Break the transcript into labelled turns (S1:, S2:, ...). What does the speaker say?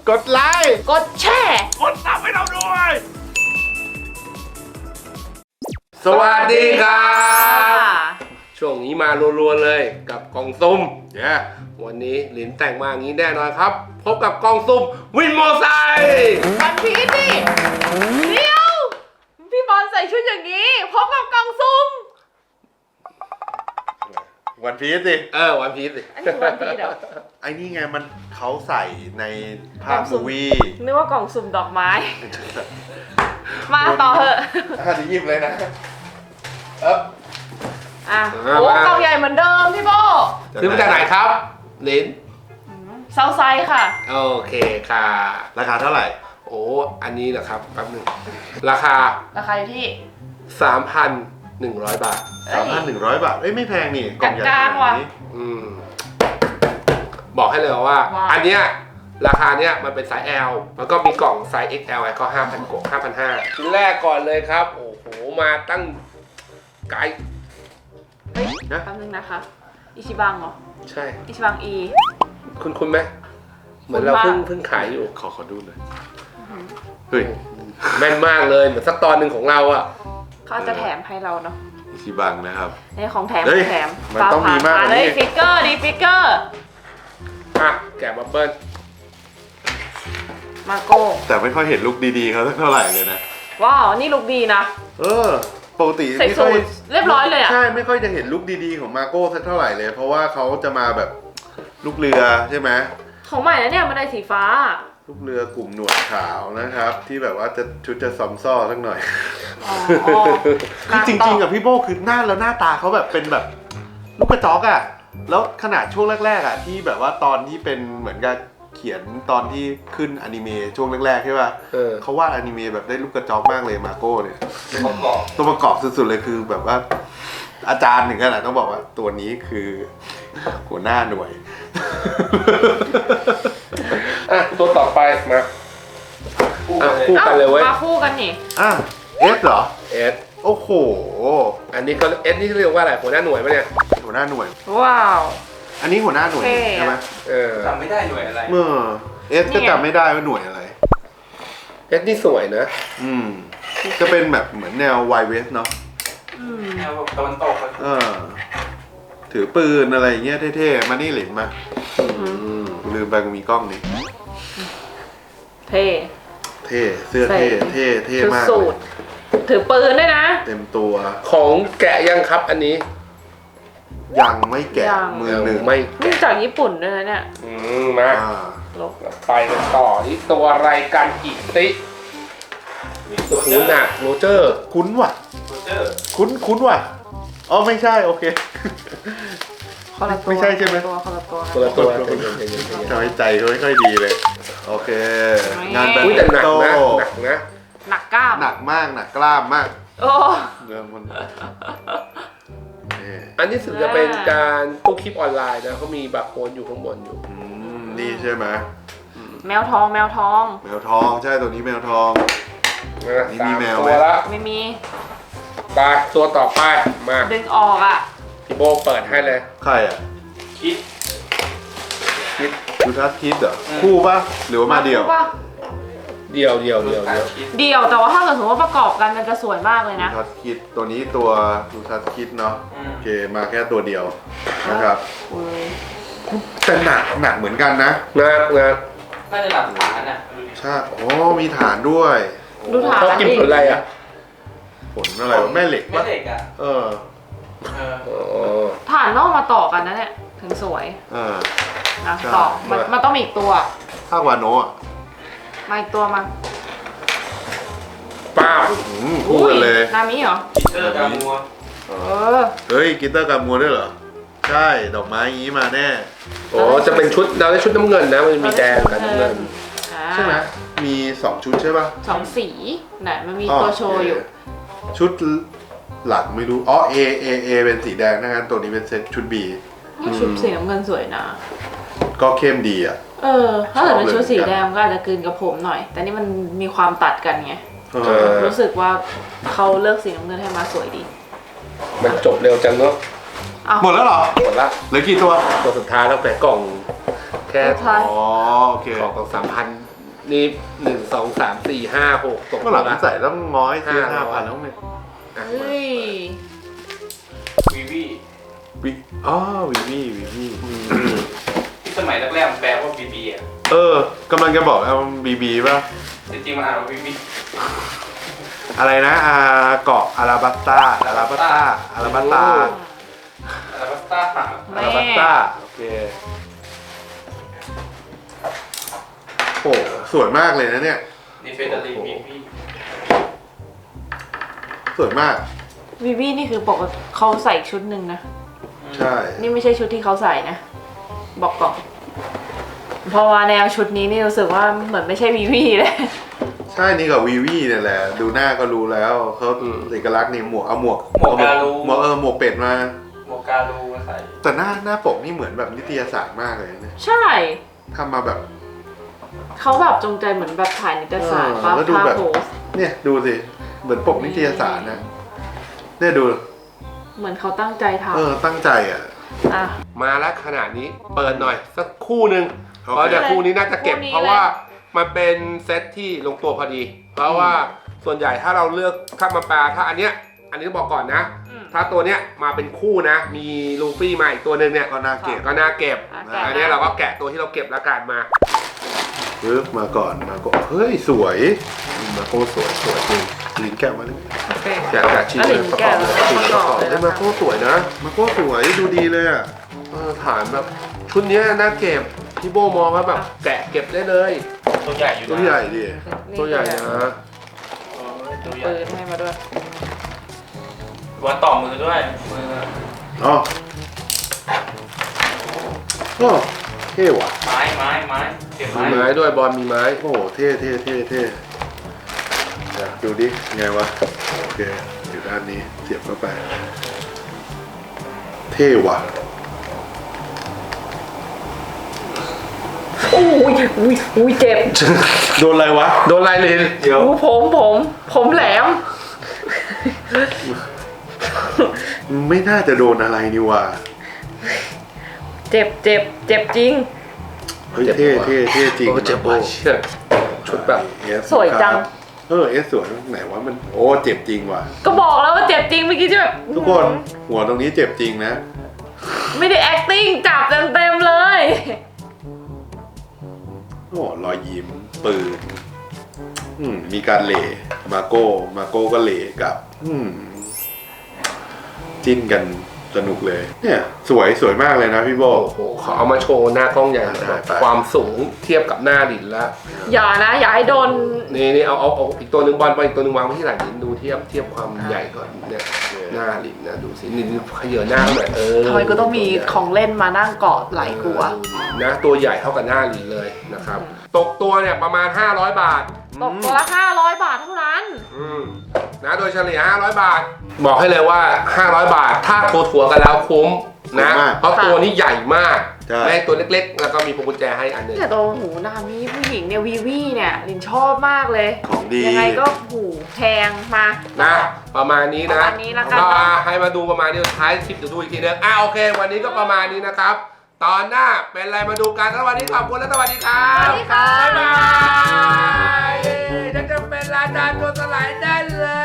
S1: กดไลค์
S2: กดแชร์
S1: กดซับให้เราด้วยสวัสดีครับช่วงนี้มารัวๆเลยกับกล่องซุ่มเนี่ยวันนี้หลินแต่งมาอย่างนี้แน่นอนครับพบกับกล่องซุ่มวินมอไซค์
S2: วันพีชดิเดี๋ยวพี่บอลใส่ชุดอย่างนี้พบกับกล่องซุ่ม
S3: วันพีซสิ
S1: วันพีชสิ
S2: อันนี้วันพีชเหรอ
S3: ไอ้นี่ไงมันเขาใส่ในภาพมูวี่
S2: นึกว่ากล่องสุ่มดอกไม้ มาต่อเถอะ
S3: จะยิบเลยนะ
S2: อ่ะโอ้กล่องใหญ่เหมือนเดิมพี่โบ
S1: ซื้อมาจากไหนครับหลิน
S2: เซาไซส์ค่ะ
S1: โอเคค่ะ
S3: ราคาเท่าไหร่
S1: โอ้อันนี้นะครับแป๊บหนึ่งราคา
S2: ราคาอยู่ที่
S1: 3,100 บาท
S3: 3,100 บาทเอ้ยไม่แพงนี่กล่องใหญ่ขนาดนี้
S1: บอกให้เลยว่า
S2: ว้าว
S1: อันเนี้ยราคาเนี้ยมันเป็นไซส์ L แล้วก็มีกล่องไซส์ XL ก็ 5,000 กว่า 5,500ชิ้นแรกก่อนเลยครับ โอ้โห มาตั้งไกล
S2: เฮ้ยแป๊บนึงนะคะ อิชิบังเหรอ
S1: ใช่
S2: อิชิบังอี
S1: คุณไหมเหมือนเรา
S2: คุ้นมาก
S1: เพิ่งขายอยู่
S3: ขอดูหน่อยเฮ้ย
S1: แม่นมากเลย เหมือนสักตอนหนึ่งของเราอ่ะ
S2: เขาอาจจะแถมให้เราเนาะ
S3: อิชิบังนะครับ
S2: นี่ของแถม
S3: เฮ้ย
S2: ของแถม
S3: มันต้องมีมากกว่านี้
S2: เลยฟิกเกอร์ดิฟิกเกอร์
S1: อ่ะ แกะบับเบิ้ล
S2: มาโก้
S3: แต่ไม่ค่อยเห็นลุคดีๆเขาสักเท่าไหร่เลยนะ
S2: ว้าวนี่ลุคดีนะ
S3: ปกติ
S2: ใส่
S3: ไม่
S2: สู
S3: ค่อย
S2: ทเรียบร้อยเลยอ่ะ
S3: ใช่ไม่ค่อยจะเห็นลุคดีๆของมาโก้สักเท่าไหร่เลย เพราะว่าเขาจะมาแบบลูกเรือใช่ไหม
S2: ของใหม่แล้วเนี่ยมันได้สีฟ้า
S3: ลูกเรือกลุ่มหนวดขาวนะครับ ที่แบบว่าจะชุดจะซอมซ่อสักหน่อย
S2: อ๋อ
S3: คือจริงๆกับพี่โบคือหน้าตาเขาแบบเป็นแบบลูกกระจอกอะแล้วขนาดช่วงแรกๆอะที่แบบว่าตอนที่เป็นเหมือนกับเขียนตอนที่ขึ้นอนิเมะช่วงแรกๆใช่ป่ะเขาวาดอนิเมะแบบได้ลูกกระจอกมากเลยมาโก้เนี่ยตัวประกอบสุดๆเลยคือแบบว่าอาจารย์ถึงขนาดต้องบอกว่าตัวนี้คือหัวหน้าหน่วย
S1: อ่ะ ตัวต่อไปมาอ่ะคู่กันเลยเว้ย
S2: มาคู่กันนี่
S3: อ่ะเอสเหรอ
S1: เอส
S3: โอ้โห
S1: อันนี้เขาเอสนี่เรียกว่าอะไรหัวหน้าหน่วยปะเนี่ย
S3: หัวหน้าหน่วย
S2: ว้าว
S3: อันนี้หัวหน้าหน่วย
S2: เท่
S3: ใช่ไหม
S4: จำไม่ได้หน่วยอะไร
S3: เอสก็จำไม่ได้ว่าหน่วยอะไร
S1: เอสนี่สวยนะ
S3: จะเป็นแบบเหมือนแนวไวเวสเนาะ
S4: แนวตะวันตก
S3: ถือปืนอะไรอย่างเงี้ยเท่ๆ มานี่หลินมาลืมไปมีกล้องนี่
S2: เท่
S3: เท่เสื้อเท่เท่
S2: ชุด
S3: มาก
S2: สูทถือปืนด้วยนะ
S3: เต็มตัว
S1: ของแกะยังครับอันนี้
S3: ยังไม่แกะ
S2: ยัง
S3: มือหนึ่ง
S1: ไม่
S2: นี่จากญี่ปุ่นด้วยนะเนี่ย
S1: มา
S2: ลบ
S1: ไปกันต่อที่ตัวอะไรกันอีกสิโอ้โหหนักโรเจอร์
S3: คุ้นว่ะ
S4: โรเจอร์
S3: คุ้นว่ะอ๋อไม่ใช่โอเค
S2: คนละตัว
S3: ไม่ใช่ใช่ไหม
S2: คนละตัว
S1: ตัวละตัว
S3: ทำให้ใจเขาไม่ค่อยดีเลย โอเค งานแบด
S1: อุ้ยแต่
S3: มิ
S1: หนัก
S3: นตั
S1: นะ
S3: น
S1: หนักนะ
S2: หนักกล้าม
S3: หนักมากหนักกล้ามมาก
S2: โอ้
S3: เรื่องมันนี่
S1: อันนี้สึกจะเป็นการตู้คลิปออนไลน์นะเขามีบาร์โค้ดอยู่ข้างบนอยู่
S3: นี่ใช่ไหม
S2: แมวทองแมวทอง
S3: แมวทองใช่ตัวนี้แมวทอง
S1: นะ
S3: นี่
S1: สา
S3: มี
S1: ม
S3: แมว
S1: ตั
S3: ไหม
S1: วละ
S2: ไม่มี
S1: ไปตัวต่อไปมา
S2: ดึงออกอ่ะ
S1: พี่โบเปิดให้เลย
S3: ใครอ่ะ
S4: คิด
S3: ยูทัสคิดเหรอคู่ปะหรือว่ามาเดี่ยว
S2: ถูกปะ
S1: เดียว
S4: คิด
S2: เดี่ยวแต่ว่าถ้าเกิดสมมติว่าประกอบกันมันจะสวยมากเลย
S3: ยู
S2: นะ
S3: ทัสคิดตัวนี้ตัวยูทัสคิดเนาะโอเคมาแค่ตัวเดียวนะครับ
S2: อุ้ย
S3: แต่หนักเหมือนกันนะ
S1: นะ
S4: น่าจะหลักฐานอ่ะ
S3: ใช่โอ้มีฐานด้วย
S2: ดูฐาน
S1: เขากินผลอะไรอ่ะ
S3: ผลอะไรวะแม่เหล็ก
S4: แม่
S3: ปะ
S4: เหล็กอ่ะ
S3: เออ
S4: เออ
S1: อ๋อ
S2: ฐานต้องมาต่อกันนะเนี่ยถึงสวย
S3: เออ
S2: นะ
S3: ใช่
S2: ต่อมันต้องมีอีกตัว
S3: ภาควาโนะอะ
S2: มาอีกตัวมา
S1: ป้าบ
S3: คู่กันเลย
S2: นามิเหรอ
S4: คิดเตอร์กามัว
S2: เออ
S3: เฮ้ยกิตเตอร์กามัวด้วยเหรอใช่ดอกไม้อย่างนี้มาแน่
S1: โอ้จะเป็นชุดเราได้ชุดน้ำเงินนะมันมีแดงกับน้ำเงิน
S2: อ่า
S3: ใช่ไหมมี2ชุดใช่ปะ
S2: สองสีไหนมันมีตัวโชว์อยู่
S3: ชุดหลังไม่รู้อ๋อ A เป็นสีแดงนะงั้นตัวนี้เป็นเซตชุด B
S2: ชุดสีน้ำเงินสวยนะ
S3: ก็เข้มดีอ่ะ
S2: เออ ถ้าเกิดเป็น
S3: ชอบเลย
S2: ชุดสีแดงก็อาจจะกลืนกับผมหน่อย แต่นี่มันมีความตัดกันไง
S3: เออ
S2: รู้สึกว่าเขาเลือกสีน้ำเงินให้มาสวยดี
S1: มันจบเร็วจังเนาะ
S2: อ้าว
S3: หมดแล้วเหรอ
S1: หมดละ
S3: เหลือกี่ตัว
S1: ตัวสุดท้ายแล้วแต่กล่องแค่
S2: สุดท้าย
S3: อ๋อโอเค
S1: กล่อง3,000 นี่1 2 3 4 5 6ตก
S3: เมื่อหลัง
S1: ละ
S3: ใส่ต้องง้อยซื้อ
S1: 500
S3: 5,000แล้วเนี่ย
S2: เฮ้ย
S4: วีวี
S3: วิอ๋อวีวีวีวี
S4: ที่สมัยแรกๆมันแปลว่าบีบีอ่ะ
S3: กำลังจะบอกเอาบีบีป่ะ
S4: จริงๆมันอ่านว่าบีบี
S3: อะไรนะเกาะอาราบัสตาอาราบัสตาอาราบัสตา
S4: อะไรวะสตาร์
S3: อาราบัสตาโอเคโอ้สวยมากเลยนะเนี่ย
S4: นี่เฟเดอรีบีบี
S3: สวยมาก
S2: วีวีนี่คือปกติเขาใส่ชุดหนึ่งนะ
S3: ใช่
S2: นี่ไม่ใช่ชุดที่เขาใส่นะ บอกก่อนเพราะว่าแนวชุดนี้นี่รู้สึกว่าเหมือนไม่ใช่วีวีเลย
S3: ใช่นี่กับวีวีเนี่ยแหละ ดูหน้าก็รู้แล้วเขาเอกลักษณ์นี่หมวกเอาหมวกหมวกหมวกเป็ดมา
S4: โมกาลูมาใส่
S3: แต่หน้าปกนี่เหมือนแบบนิตยสารมากเลยนะเนี่ย
S2: ใช่
S3: ทำมาแบบ
S2: เขาแบบจงใจเหมือนแบบถ่ายนิตยสาร
S3: เออแล้วดู
S2: ภาพ
S3: แบบ
S2: โพส
S3: เนี่ยดูสิเหมือนปกนิตยสารนะเนี่ยดู
S2: เหมือนเขาตั้งใจท
S3: ตั้งใจอ่ะ
S2: ำอ่ะ
S1: มาแล้วขนาดนี้เปิดหน่อยสักคู่หนึ่ง
S3: โอเค
S1: เพราะเดี๋ยวคู่นี้น่าจะเก็บ
S2: คู่นี้
S1: เพราะว่ามันเป็นเซตที่ลงตัวพอดี เพราะว่าส่วนใหญ่ถ้าเราเลือกข้ามมาปลาถ้าอันนี้ต้องบอกก่อนนะ
S2: อืม
S1: ถ้าตัวเนี้ยมาเป็นคู่นะ มีลูฟี่มาอีกตัวหนึ่งเนี่ย
S3: ก็น่าเก็บ
S1: ก็น่าเก็บ
S2: แกะ
S1: อันนี้เราก็แกะตัวที่เราเก็บแล้วกันมา
S3: ปึ๊บมาก่อนเฮ้ยสวยมาโคสวยจริงลิ้นแก้วมาเลย
S2: โอเค
S1: แกะชิ้น
S2: แล้ว
S1: เล
S2: ลิ
S1: ย
S2: น
S1: ประก
S2: แกะ
S1: อบ
S2: แล้ว
S1: ชิ้น
S2: ประ
S1: เลย
S2: ก
S1: ป
S2: อบ
S1: ระกอบ
S2: เลย
S3: เฮ้ย
S2: นะ
S3: มาโคสวยนะมาโคสวยดูดีเลยอ่ะ
S1: ฐานแบบชุดเนี้ยน่าเก็บพี่โบมองว่าแบบแกะเก็บได้เลย
S4: ตัวใหญ่อยู่
S3: ตัว
S4: นะ
S3: ใหญ่ดิ
S1: ตัวใหญ่นะ
S4: ตัวใหญ่
S2: ปืนให้มาด้วย
S4: วันต่อมือด้วยมือ
S3: อ๋อโอ้เท่ว่ะ
S4: ไม้เก็บ
S1: มี
S4: ไม้
S1: ไม้ด้วยบอลมีไม้
S3: โอ้เท่เดี๋ยวดูดิไงวะโอเคอยู่ด้านนี้เสียบเข้าไปเท่ว่ะ
S2: อุ้ยเจ็บ
S3: โดนอะไรวะ
S1: โดนลายลิน
S3: เดี๋ยว
S2: อู้ผมแหลม
S3: ไม่น่าจะโดนอะไรนี่ว่ะ
S2: เจ็บจริง
S3: เฮ้ยเท่จริง
S1: โอ้เจ็บว่ะเชี่ยชุดแบบ
S2: สวยจัง
S3: เอสสวยไหนวะมันโอ้เจ็บจริงว่ะ
S2: ก็บอกแล้วว่าเจ็บจริงเมื่อกี้จะแบบ
S3: ทุกคนหัวตรงนี้เจ็บจริงนะ
S2: ไม่ได้ acting จับเต็มเลย
S3: โอ้รอยยิ้มปืนมีการเหล่มาโก้ก็เหล่กับจิ้นกันสนุกเลย เนี่ยสวยมากเลยนะพี่โบ
S1: โอ้โหเขาเอามาโชว์หน้ากล้องใหญ่
S3: ได้ไป
S1: ความสูงเทียบกับหน้าลินแล้ว
S2: อย่าให้โดน
S1: นี่เอาอีกตัวหนึ่งบอลไปอีกตัวหนึ่งวางไว้ที่หลังลินดูเทียบความใหญ่ก่อนเนี่ยหน้าลินนะดูสิลินขยเยหน้าหน่อย
S2: ทำไมกูต้องมีของเล่นมานั่งเกาะไหลกูอะ
S1: นะตัวใหญ่เท่ากับหน้าลินเลยนะครับ ตกตัวเนี่ยประมาณ500 บาท
S2: ตกตัวละ500 บาทเท่านั้น
S1: นะโดยเฉลี่ย500 บาท บอกให้เลยว่า 500 บาท ถ้าถัวกันแล้วคุ้มนะ เพราะตัวนี้ใหญ่มาก
S3: ใช่
S1: ไม่ให้ตัวเล็กๆ แล้วก็มีพวงกุญแจให้อันหนึง
S2: แต่ตัวหูนามิผู้หญิงเนี่ยวีวีเนี่ยลินชอบมากเลย
S3: ของดี
S2: ยังไงก็หูแพงมา
S1: นะประมาณนี้
S2: ป
S1: นะ
S2: ระมาณนี้ละกัน
S1: ก็
S2: เนาะ
S1: ให้มาดูประมาณนี้ท้ายคลิปเดี๋ยวดูอีกทีนึงโอเค วันนี้ก็ประมาณนี้นะครับ ตอนหน้าเป็นอะไรมาดูกันสวัสดีขอบคุณและสวัสดีครับ
S2: สวัสดีค่ะ
S1: บ๊ายบายจะเป็นราชาตัวสลายได้เลย